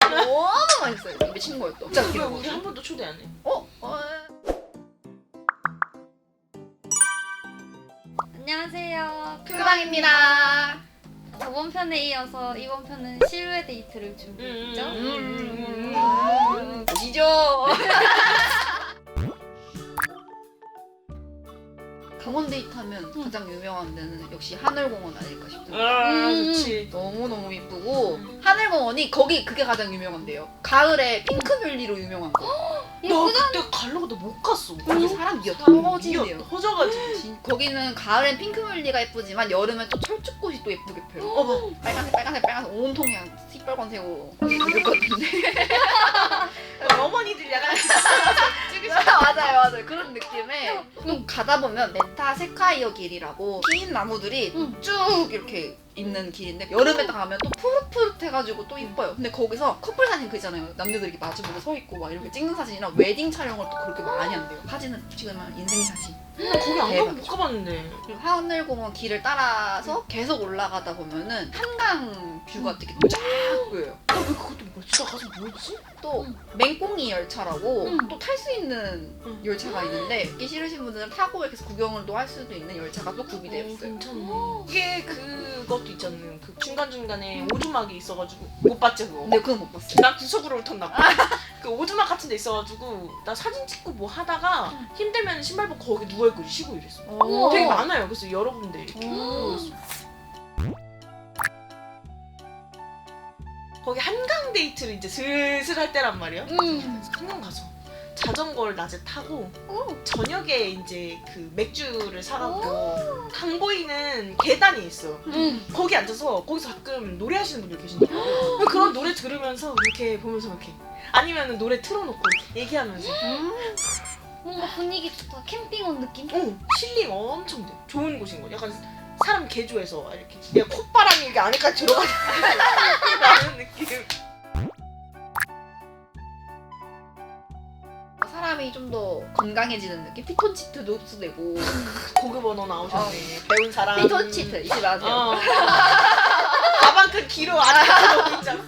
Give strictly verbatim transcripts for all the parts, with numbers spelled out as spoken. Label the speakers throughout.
Speaker 1: 너무 맛있어요. 입에 친 거예요 또. 진짜
Speaker 2: 왜
Speaker 1: 기름.
Speaker 2: 우리 한 번도 초대 안 해?
Speaker 1: 어? 어?
Speaker 3: 안녕하세요.
Speaker 1: 큐방입니다.
Speaker 3: 저번 편에 이어서 이번 편은 실외 데이트를 준비했죠.
Speaker 2: 음.
Speaker 1: 음. 보시죠. 강원 데이트 하면 가장 유명한 데는 역시 하늘공원 아닐까 싶습니다.
Speaker 2: 아
Speaker 3: 음.
Speaker 2: 좋지.
Speaker 1: 너무너무 이쁘고
Speaker 2: 음.
Speaker 1: 하늘공원이 거기 그게 가장 유명한데요. 가을에 핑크뮬리로 유명한 거.
Speaker 2: 나
Speaker 3: 예쁘다.
Speaker 2: 그때 가려고 나 못 갔어.
Speaker 1: 거기 사람 미어
Speaker 2: 사람이
Speaker 1: 터지네요.
Speaker 2: 미어 터져가지고.
Speaker 1: 진- 거기는 가을엔 핑크뮬리가 예쁘지만 여름엔 또 철쭉꽃이 또 예쁘게 펴요.
Speaker 2: 어 봐.
Speaker 1: 빨간색 빨간색 빨간색 온통 그냥 시뻘건색으로 그럴 것 같은데.
Speaker 2: 어머니들 약간
Speaker 1: 맞아요 맞아요 그런 느낌에 또 가다 보면 메타 세카이어 길이라고 긴 나무들이
Speaker 3: 응.
Speaker 1: 쭉 이렇게 있는 길인데 여름에 딱 가면 또 푸릇푸릇해가지고 또 이뻐요. 근데 거기서 커플 사진 그 있잖아요. 남녀들이 이렇게 마주보고 서 있고 막 이렇게 찍는 사진이랑 웨딩 촬영을 또 그렇게 많이 한대요. 사진은 찍으면 인생 사진.
Speaker 2: 거기 안 가면 못
Speaker 1: 대박이죠.
Speaker 2: 가봤는데.
Speaker 1: 그리고 하늘공원 길을 따라서 계속 올라가다 보면은 한강 뷰가 되게 쫙 보여요.
Speaker 2: 나 왜 그것도 뭐 진짜 가서 뭐지?
Speaker 1: 또
Speaker 3: 응.
Speaker 1: 맹꽁이 열차라고
Speaker 3: 응.
Speaker 1: 또 탈 수 있는
Speaker 2: 응.
Speaker 1: 열차가 있는데 이게 싫으신 분들은 타고 이렇게 구경을 또 할 수도 있는 열차가 또 구비되어
Speaker 2: 어,
Speaker 1: 있어요.
Speaker 2: 괜찮네. 이게 그것도 있잖아요. 그 중간 중간에 오두막이 있어가지고 못 봤지 그거.
Speaker 1: 근데 그건 못 봤어요.
Speaker 2: 나 구석으로 훑었나 봐. 그 오두막 같은 데 있어가지고 나 사진 찍고 뭐 하다가 힘들면 신발 벗고 거기 누워있고 쉬고 이랬어.
Speaker 3: 우와.
Speaker 2: 되게 많아요. 그래서 여러 군데 이렇게
Speaker 1: 오.
Speaker 2: 누워있어. 거기 한강 데이트를 이제 슬슬 할 때란 말이야.
Speaker 3: 음.
Speaker 2: 그래서 한강 가서 자전거를 낮에 타고
Speaker 3: 오.
Speaker 2: 저녁에 이제 그 맥주를 사갖고 강 보이는 계단이 있어.
Speaker 3: 음.
Speaker 2: 거기 앉아서 거기서 가끔 노래하시는 분들 계신다고. 그런 노래 들으면서 이렇게 보면서 이렇게 아니면 노래 틀어놓고 얘기하면서
Speaker 3: 뭔가 분위기 좋다. 캠핑 온 느낌?
Speaker 2: 어 힐링 엄청 돼. 좋은 곳인 거. 약간 사람 개조해서 이렇게 내가 콧바람이 이렇게 안에까지 들어가는 느낌.
Speaker 1: 사람이 좀 더 건강해지는 느낌? 피톤치트도 흡수되고
Speaker 2: 고급 언어 나오셨네. 배운 사람.
Speaker 1: 피톤치트 잊지 마세요.
Speaker 2: 어. 가방 큰 키로 안에 들어오고 있잖아.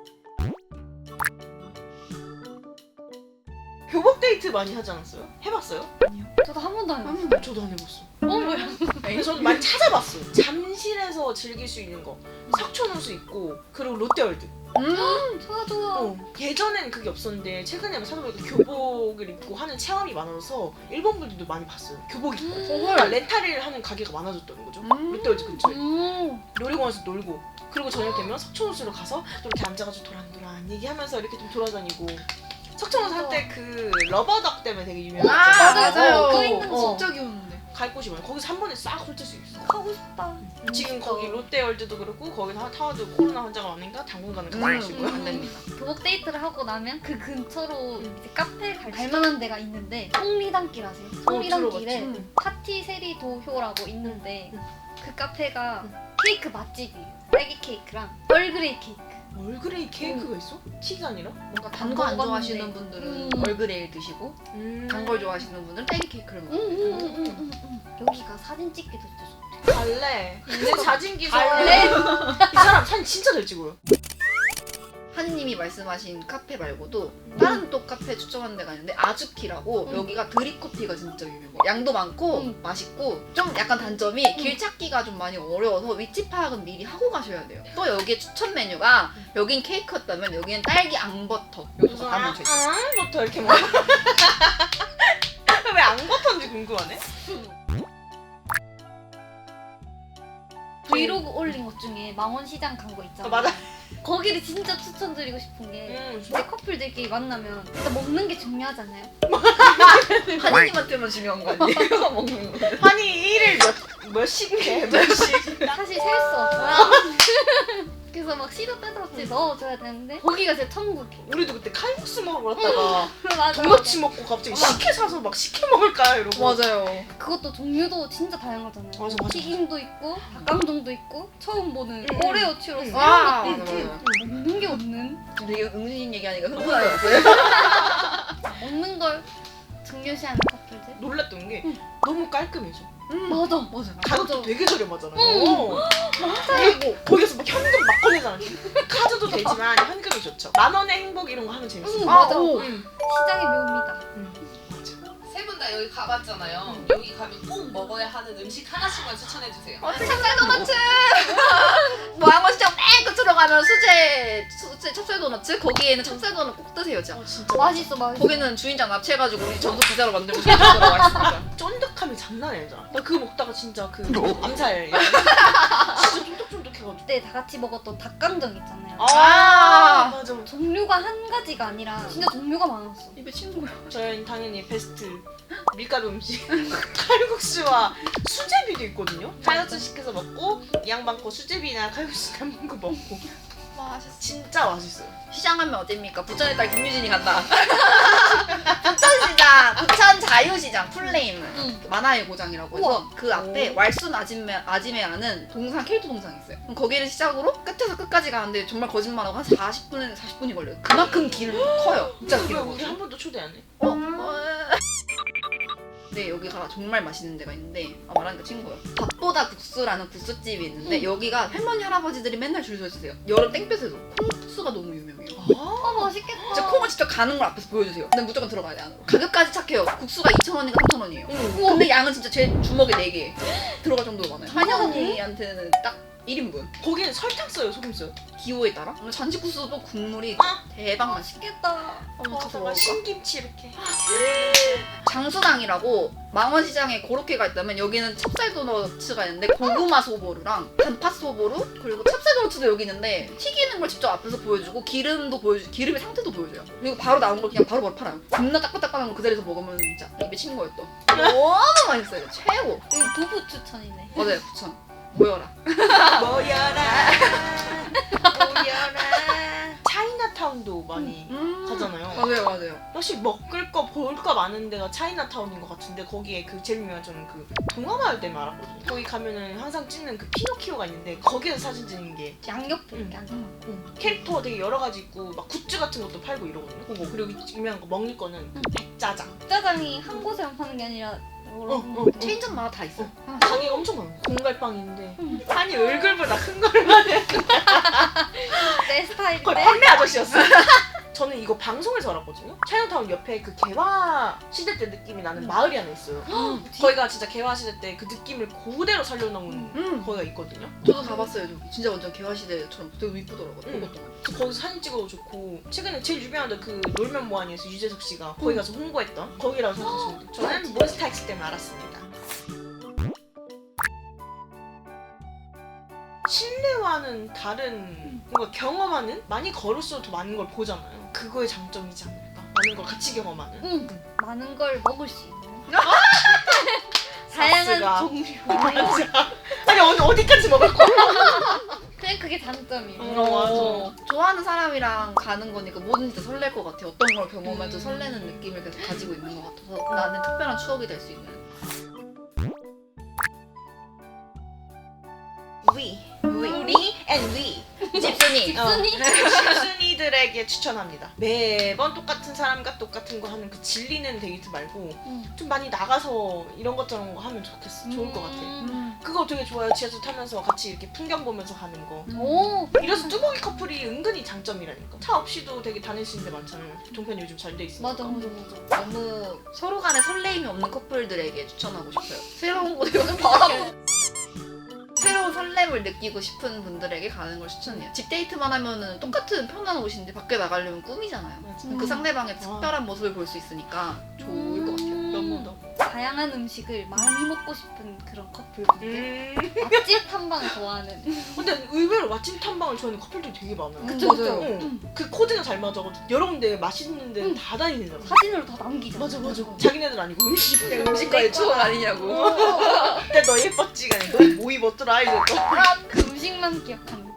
Speaker 2: 교복 데이트 많이 하지 않았어요? 해봤어요?
Speaker 3: 저도 한 번도 안 해봤어.
Speaker 1: 음.
Speaker 2: 저도 안 해봤어.
Speaker 3: 어 뭐야?
Speaker 2: 그래서 저는 많이 찾아봤어요. 잠실에서 즐길 수 있는 거. 석촌호수 있고 그리고 롯데월드.
Speaker 1: 음.
Speaker 3: 좋아 좋아.
Speaker 2: 어. 예전엔 그게 없었는데 최근에 찾아보니까 교복을 입고 하는 체험이 많아서 일본 분들도 많이 봤어요. 교복 입고. 그러니까 렌탈을 하는 가게가 많아졌다는 거죠.
Speaker 1: 음.
Speaker 2: 롯데월드 근처에.
Speaker 3: 음.
Speaker 2: 놀이공원에서 놀고 그리고 저녁 되면 석촌호수로 가서 또 이렇게 앉아가지고 도란도란 얘기하면서 이렇게 좀 돌아다니고. 석촌호수 한때 그 러버덕 때문에 되게 유명했잖아요.
Speaker 1: 아
Speaker 3: 맞아요.
Speaker 1: 맞아요.
Speaker 3: 그 있는
Speaker 2: 거.
Speaker 1: 진짜 귀여운데.
Speaker 2: 갈 곳이 많아요. 거기서 한 번에 싹 훑을 수 있어.
Speaker 3: 가고 싶다.
Speaker 2: 지금
Speaker 3: 진짜.
Speaker 2: 거기 롯데월드도 그렇고 거기서 타워도 코로나 환자가 많으니까 당분간은 가지 마시고요.
Speaker 1: 안 됩니다.
Speaker 3: 교복 데이트를 하고 나면 그 근처로
Speaker 2: 음.
Speaker 3: 이제 카페 갈 갈만한 데가 있는데 송리단길 아세요? 송리단길에
Speaker 2: 들어봤지.
Speaker 3: 파티 세리 도효라고 있는데
Speaker 2: 음.
Speaker 3: 그 카페가
Speaker 2: 음.
Speaker 3: 케이크 맛집이에요. 딸기 케이크랑 얼그레이 케이크.
Speaker 2: 얼그레이 케이크가 있어? 티가 아니라?
Speaker 1: 뭔가 단 거 안
Speaker 3: 먹어봤는데.
Speaker 1: 좋아하시는 분들은
Speaker 3: 음.
Speaker 1: 얼그레일 드시고
Speaker 2: 음.
Speaker 1: 단 걸 좋아하시는 분들은 딸기 케이크를
Speaker 3: 응,
Speaker 1: 먹고.
Speaker 3: 응, 응, 응, 응, 응. 여기가 사진 찍기도 진짜 좋대.
Speaker 2: 갈래. 내 자진기
Speaker 3: 갈래?
Speaker 2: 이 사람 사진 진짜 잘 찍어요.
Speaker 1: 하니님이 말씀하신 카페 말고도 다른 또 카페 추천하는 데가 있는데 아주키라고
Speaker 3: 음.
Speaker 1: 여기가 드립커피가 진짜 유명해요. 양도 많고
Speaker 3: 음.
Speaker 1: 맛있고 좀 약간 단점이 길 찾기가 좀 많이 어려워서 위치 파악은 미리 하고 가셔야 돼요. 또 여기에 추천 메뉴가 여긴 케이크였다면 여기는 딸기 앙버터 요소가 다 묻혀 있어요.
Speaker 2: 앙부터 이렇게 먹어. 왜 앙버터인지 궁금하네.
Speaker 3: 브이로그 올린 것 중에 망원시장 간 거 있잖아.
Speaker 2: 어, 맞아.
Speaker 3: 거기를 진짜 추천드리고 싶은 게
Speaker 2: 음,
Speaker 3: 이제 커플들끼리 만나면 일단 먹는 게 중요하잖아요.
Speaker 1: 하니님한테만 중요한 거 아니에요? 먹는 거.
Speaker 2: 환희 일일 몇, 몇씩 해? 몇씩?
Speaker 3: 사실 셀 수 없어요. 그래서 막 씨도 빼들었지 넣어줘야 되는데 거기가 제 천국이에요.
Speaker 2: 우리도 그때 칼국수 먹으러 갔다가
Speaker 3: 맞아.
Speaker 2: 도너츠 먹고 갑자기 식혜 사서 막 식혜 먹을까 이러고.
Speaker 1: 맞아요.
Speaker 3: 그것도 종류도 진짜 다양하잖아요.
Speaker 2: 맞아, 맞아,
Speaker 3: 튀김도 있고 닭강정도 있고 처음 보는
Speaker 2: 응,
Speaker 3: 오레오 추러스
Speaker 2: 응.
Speaker 1: 와,
Speaker 3: 이런 것도
Speaker 1: 맞아,
Speaker 3: 있고
Speaker 1: 맞아.
Speaker 3: 먹는 게 없는
Speaker 1: 되게 응신 얘기하니까 흥분하셨어요.
Speaker 3: 먹는 걸 중요시하는 커플들.
Speaker 2: 놀랐던 게
Speaker 3: 응.
Speaker 2: 너무 깔끔해져.
Speaker 1: 음.
Speaker 3: 맞아.
Speaker 1: 맞아.
Speaker 2: 가격도
Speaker 3: 맞아.
Speaker 2: 되게 저렴하잖아요.
Speaker 3: 응.
Speaker 2: 그리고 거기서 막 현금 막 꺼내잖아. 카드도 되지만 현금이 좋죠. 만 원의 행복 이런 거 하면 재밌어요.
Speaker 3: 응,
Speaker 1: 아,
Speaker 3: 맞아.
Speaker 1: 오.
Speaker 2: 음.
Speaker 3: 시장의 묘미다.
Speaker 4: 세 분 다 여기 가봤잖아요.
Speaker 2: 음.
Speaker 4: 여기 가면 꼭 먹어야 하는 음식 하나씩만 추천해 주세요.
Speaker 1: 찹쌀 도너츠. 뭐 양원시장 맨 끝으로 가면 수제 수제 찹쌀 도너츠 거기에는 찹쌀 도넛 꼭 드세요, 진짜.
Speaker 2: 어, 진짜
Speaker 3: 맛있어, 맛있어.
Speaker 1: 거기는 주인장 납치해가지고 우리 전속 기자로 만들고 들어가 있으니까.
Speaker 2: 쫀득함이 장난이 아니잖아. 나 그거 먹다가 진짜 그 암살 진짜 쫀득쫀득해가지고.
Speaker 3: 그때 다 같이 먹었던 닭강정 있잖아요.
Speaker 2: 아, 맞아.
Speaker 3: 종류가 한 가지가 아니라 진짜 종류가 많았어.
Speaker 1: 입에 친구야.
Speaker 2: 저희는 당연히 베스트 밀가루 음식 칼국수와 수제비도 있거든요. 칼국수 시켜서 먹고 이 양반 거 수제비나 칼국수 남은 거 먹고
Speaker 1: 맛있어.
Speaker 2: 진짜 맛있어요.
Speaker 1: 시장하면 어딥니까? 부천의 딸 김유진이 간다. 부천시장, 부천 자유시장 플레임
Speaker 3: 응.
Speaker 1: 만화의 고장이라고 해서 그 앞에
Speaker 2: 오.
Speaker 1: 왈순 아지메, 아지메라는 동상 캐릭터 동상이 있어요. 그럼 거기를 시작으로 끝에서 끝까지 가는데 정말 거짓말하고 한 사십 분에서 사십 분이 걸려요. 그만큼 길이 커요. 진짜
Speaker 2: 왜
Speaker 1: 길어요.
Speaker 2: 우리 한 번도 초대 안 해?
Speaker 1: 어? 어? 네, 여기가 정말 맛있는 데가 있는데 아, 말하니까 친구예요. 밥보다 국수라는 국수집이 있는데
Speaker 3: 응.
Speaker 1: 여기가 할머니 할아버지들이 맨날 줄 서 있으세요. 여름 땡볕에도 콩국수가 너무 유명해요.
Speaker 3: 아, 맛있겠다.
Speaker 1: 진짜 콩을 직접 가는 걸 앞에서 보여주세요. 근데 무조건 들어가야 돼 안으로. 가격까지 착해요. 국수가 이천 원인가 삼천 원이에요.
Speaker 2: 응.
Speaker 1: 근데 양은 진짜 제 주먹에 네 개 들어갈 정도로 많아요. 한여 언니한테는 딱 일 인분.
Speaker 2: 거기는 설탕 써요, 소금 써요?
Speaker 1: 기호에 따라. 잔치국수도 국물이
Speaker 2: 아.
Speaker 1: 대박 맛있게.
Speaker 3: 맛있겠다.
Speaker 1: 어, 가서
Speaker 2: 거기다가
Speaker 1: 먹을까?
Speaker 2: 신김치 이렇게.
Speaker 1: 장수당이라고 망원시장에 그렇게가 있다면 여기는 찹쌀 도너츠가 있는데 고구마 소보루랑 단팥 소보루 그리고 찹쌀 도너츠도 여기 있는데 튀기는 걸 직접 앞에서 보여주고 기름도 보여주 기름의 상태도 보여줘요. 그리고 바로 나온 걸 그냥 바로 바로 팔아요. 겁나 따끈따끈한 거 그 자리에서 먹으면 진짜 입에 친 거예요 또. 너무 맛있어요. 최고.
Speaker 3: 여기 두부 추천이네.
Speaker 1: 맞아요 부천. 모여라.
Speaker 2: 모여라 모여라. 차이나타운도 많이
Speaker 1: 음.
Speaker 2: 가잖아요.
Speaker 1: 맞아요 맞아요.
Speaker 2: 역시 먹을 거 볼 거 많은 데가 차이나타운인 것 같은데 거기에 그 제일 유명한 저는 그 동화마을 때문에 알았거든요. 거기 가면은 항상 찍는 그 피노키오가 있는데 거기에서 사진 찍는 게
Speaker 3: 양옆에 이렇게
Speaker 2: 응.
Speaker 3: 앉아.
Speaker 2: 응. 캐릭터 되게 여러 가지 있고 막 굿즈 같은 것도 팔고 이러거든요. 그거 그리고 유명한 거 먹을 거는 그 백짜장.
Speaker 3: 짜장이 한 곳에만 파는 게 아니라 여러
Speaker 2: 어,
Speaker 3: 군-
Speaker 2: 어.
Speaker 1: 체인점마다 다 있어. 요
Speaker 2: 가게가 엄청 많아요. 공갈빵 있는데
Speaker 3: 응.
Speaker 2: 아니 얼굴보다 큰 거를 하네.
Speaker 3: 내 스타일인데.
Speaker 2: 거의 판매 아저씨였어. 저는 이거 방송에서 알았거든요. 차이나타운 옆에 그 개화 시대 때 느낌이 나는
Speaker 3: 음.
Speaker 2: 마을이 하나 있어요. 거기가 진짜 개화 시대 때 그 느낌을 그대로 살려놓은
Speaker 1: 음.
Speaker 2: 거기가 있거든요.
Speaker 1: 저도 가봤어요 저기. 진짜 완전 개화시대처럼 되게 이쁘더라고요.
Speaker 2: 응.
Speaker 1: 그것도.
Speaker 2: 그래서 거기서 사진 찍어도 좋고 최근에 제일 유명한 그 놀면 뭐하니에서 유재석 씨가 거기 가서 홍보했던 거기라고 생각하시면 돼요. 저는 몬스타엑스 때문에 알았습니다. 실내와는 다른 뭔가 경험하는 많이 걸을수록 더 많은 걸 보잖아요. 그거의 장점이지 않을까. 많은 걸 같이 경험하는.
Speaker 3: 응. 많은 걸 먹을 수 있는.
Speaker 2: 사스가.
Speaker 3: 다양한 종류.
Speaker 2: 맞아. 아니 어디 어디까지 먹을 거야?
Speaker 3: 그냥 그게 장점이에요.
Speaker 2: 어, 맞아.
Speaker 1: 좋아하는 사람이랑 가는 거니까 뭐든지 다 설렐 것 같아. 어떤 걸 경험해도
Speaker 2: 음.
Speaker 1: 설레는 느낌을 계속 가지고 있는 것 같아서 나는 특별한 추억이 될 수 있는.
Speaker 2: We,
Speaker 1: We.
Speaker 2: 우리, and we.
Speaker 1: 집순이.
Speaker 2: 어.
Speaker 3: 순이?
Speaker 2: 집순이들에게 추천합니다. 매번 똑같은 사람과 똑같은 거 하는 그 질리는 데이트 말고
Speaker 3: 응.
Speaker 2: 좀 많이 나가서 이런 것저런 거 하면 좋겠어. 좋을 것 같아.
Speaker 3: 음.
Speaker 2: 그거 되게 좋아요. 지하철 타면서 같이 이렇게 풍경 보면서 가는 거.
Speaker 3: 오.
Speaker 2: 이래서 뚜벅이 커플이 은근히 장점이라니까. 차 없이도 되게 다닐 수 있는 데 많잖아요. 교통편이 요즘 잘 돼 있으니까.
Speaker 3: 맞아 맞아 맞아.
Speaker 1: 너무 서로 간에 설레임이 없는 커플들에게 추천하고 싶어요. 새로운 곳에 요즘 바람. 새로운 설렘을 느끼고 싶은 분들에게 가는 걸 추천해요. 집 데이트만 하면은 똑같은 편한 옷인데 밖에 나가려면 꿈이잖아요.
Speaker 2: 맞아.
Speaker 3: 음.
Speaker 1: 그 상대방의 특별한 모습을 볼 수 있으니까 좋을 것 같아요.
Speaker 2: 너무 너무.
Speaker 3: 다양한 음식을 많이 먹고 싶은 그런 커플분들.
Speaker 2: 음.
Speaker 3: 맛집 탐방 좋아하는.
Speaker 2: 근데 의외로 맛집 탐방을 좋아하는 커플들이 되게 많아요.
Speaker 3: 그쵸,
Speaker 1: 맞아요.
Speaker 2: 응. 그 코드가 잘 맞아가지고 여러 군데 맛있는 데
Speaker 3: 응.
Speaker 2: 다 다니잖아.
Speaker 3: 사진으로 다 남기잖아.
Speaker 2: 맞아 맞아. 자기네들 아니고 음식.
Speaker 1: 음식과의 추억 아니냐고.
Speaker 2: 그때 너 예뻤지가 아니고 너 뭐 입었더라 이제 또.
Speaker 3: 그 음식만 기억하는.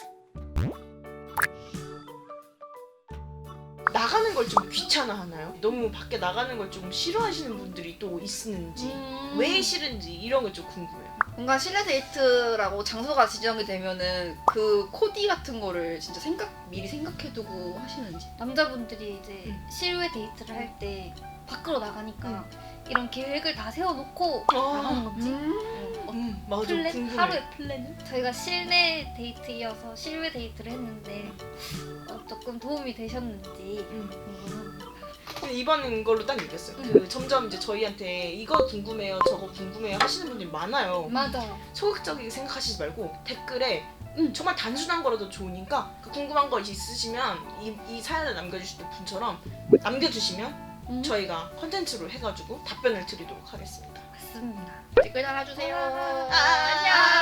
Speaker 2: 나가는 걸 좀 귀찮아하나요? 너무 밖에 나가는 걸 좀 싫어하시는 분들이 또 있는지
Speaker 3: 음.
Speaker 2: 왜 싫은지 이런 걸 좀 궁금해요.
Speaker 1: 뭔가 실내 데이트라고 장소가 지정이 되면은 그 코디 같은 거를 진짜 생각 미리 생각해두고 하시는지.
Speaker 3: 남자분들이 이제
Speaker 2: 응.
Speaker 3: 실외 데이트를 할 때 밖으로 나가니까 이런 계획을 다 세워놓고
Speaker 2: 아,
Speaker 3: 나가는 건지
Speaker 1: 음.
Speaker 2: 음 맞아
Speaker 3: 플랜?
Speaker 2: 궁금해.
Speaker 3: 하루의 플랜은? 저희가 실내 데이트이어서 실외 데이트를 했는데 어, 조금 도움이 되셨는지
Speaker 2: 음.
Speaker 3: 궁금합니다.
Speaker 2: 근데 이번 걸로 딱 느꼈어요.
Speaker 3: 음.
Speaker 2: 그 점점 이제 저희한테 이거 궁금해요, 저거 궁금해요 하시는 분들이 많아요.
Speaker 3: 맞아요.
Speaker 2: 소극적이게 생각하시지 말고 댓글에
Speaker 3: 음.
Speaker 2: 정말 단순한 거라도 좋으니까 그 궁금한 거 있으시면 이, 이 사연을 남겨주실 때 분처럼 남겨주시면
Speaker 3: 음.
Speaker 2: 저희가 컨텐츠로 해가지고 답변을 드리도록 하겠습니다.
Speaker 3: 맞습니다.
Speaker 1: 댓글 달아주세요.
Speaker 2: 안녕.